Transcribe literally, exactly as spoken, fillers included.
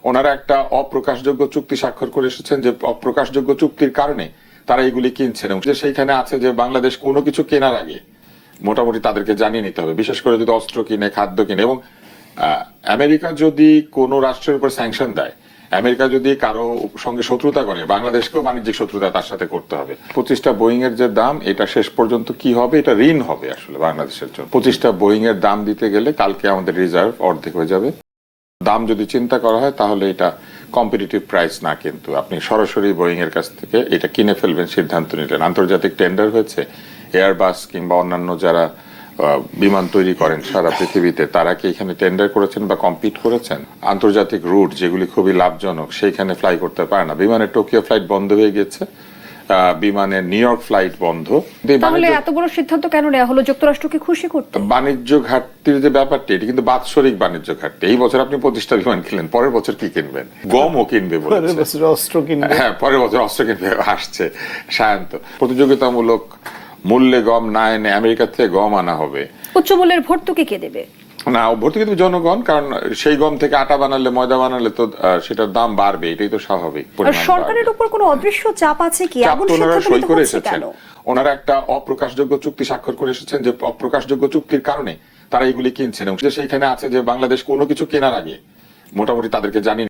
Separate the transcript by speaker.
Speaker 1: ওনারা একটা অপ্রকাশযোগ্য চুক্তি স্বাক্ষর করে এসেছেন, যে অপ্রকাশযোগ্য চুক্তির কারণে তারা এগুলি কিনছেন, এবং সেইখানে আছে যে বাংলাদেশ কোনো কিছু কেনার আগে মোটামুটি তাদেরকে জানিয়ে নিতে হবে, বিশেষ করে যদি অস্ত্র কিনে, খাদ্য কিনে। এবং আমেরিকা যদি কোনো রাষ্ট্রের উপর স্যাংশন দেয়, আমেরিকা যদি কারো সঙ্গে শত্রুতা করে, বাংলাদেশকেও বাণিজ্যিক শত্রুতা তার সাথে করতে হবে। পঁচিশটা বোয়িং এর যে দাম, এটা শেষ পর্যন্ত কি হবে, এটা ঋণ হবে আসলে বাংলাদেশের জন্য। পঁচিশটা বোয়িং এর দাম দিতে গেলে কালকে আমাদের রিজার্ভ অর্ধেক হয়ে যাবে। দাম যদি চিন্তা করা হয় তাহলে এটা কম্পিটিটিভ প্রাইস না, কিন্তু আপনি সরাসরি বোয়িং এর কাছ থেকে এটা কিনে ফেলবেন সিদ্ধান্ত নিলেন। আন্তর্জাতিক টেন্ডার হয়েছে, এয়ারবাস কিংবা অন্যান্য যারা বিমান তৈরি করেন সারা পৃথিবীতে, তারা কি এখানে টেন্ডার করেছেন বা কম্পিট করেছেন? আন্তর্জাতিক রুট যেগুলি খুবই লাভজনক সেইখানে ফ্লাই করতে পারে না। বিমানের টোকিও ফ্লাইট বন্ধ হয়ে গেছে, বিমানের নিউ ইয়র্ক ফ্লাইট বন্ধ।
Speaker 2: তাহলে এত বড় সিদ্ধান্ত কেন নেওয়া হলো? যুক্তরাষ্ট্রকে খুশি করতে?
Speaker 1: বাণিজ্য ঘাটতির যে ব্যাপারটি, এটি কিন্তু বাৎসরিক বাণিজ্য ঘাটতি। এই বছর আপনি পঁচিশটা বিমান কিনলেন, পরের বছর কি কিনবেন? গমও কিনবে বলেছে,
Speaker 3: অস্ত্র কিনবে।
Speaker 1: হ্যাঁ, পরের বছর অস্ত্র কিনবে আসছে সায়ন্ত। প্রতিযোগিতামূলক মূল্যে গম না এনে আমেরিকা থেকে গম আনা হবে।
Speaker 2: উচ্চ মূল্যের ভর্তুকি কে দেবে?
Speaker 1: না, ভর্তুকি দেবে জনগণ, কারণ সেই গম থেকে আটা বানালে, ময়দা বানালে তো সেটার দাম বাড়বে, এটাই তো স্বাভাবিক।
Speaker 2: আর সরকারের উপর কোনো অদৃশ্য চাপ আছে কি?
Speaker 1: চাপ তো ওনারা সই করে এসেছেন। ওনারা একটা অপ্রকাশযোগ্য চুক্তি স্বাক্ষর করে এসেছেন, যে অপ্রকাশযোগ্য চুক্তির কারণে তারা এগুলি কিনছেন, এবং সেইখানে আছে যে বাংলাদেশ কোনো কিছু কেনার আগে মোটামুটি তাদেরকে জানিয়ে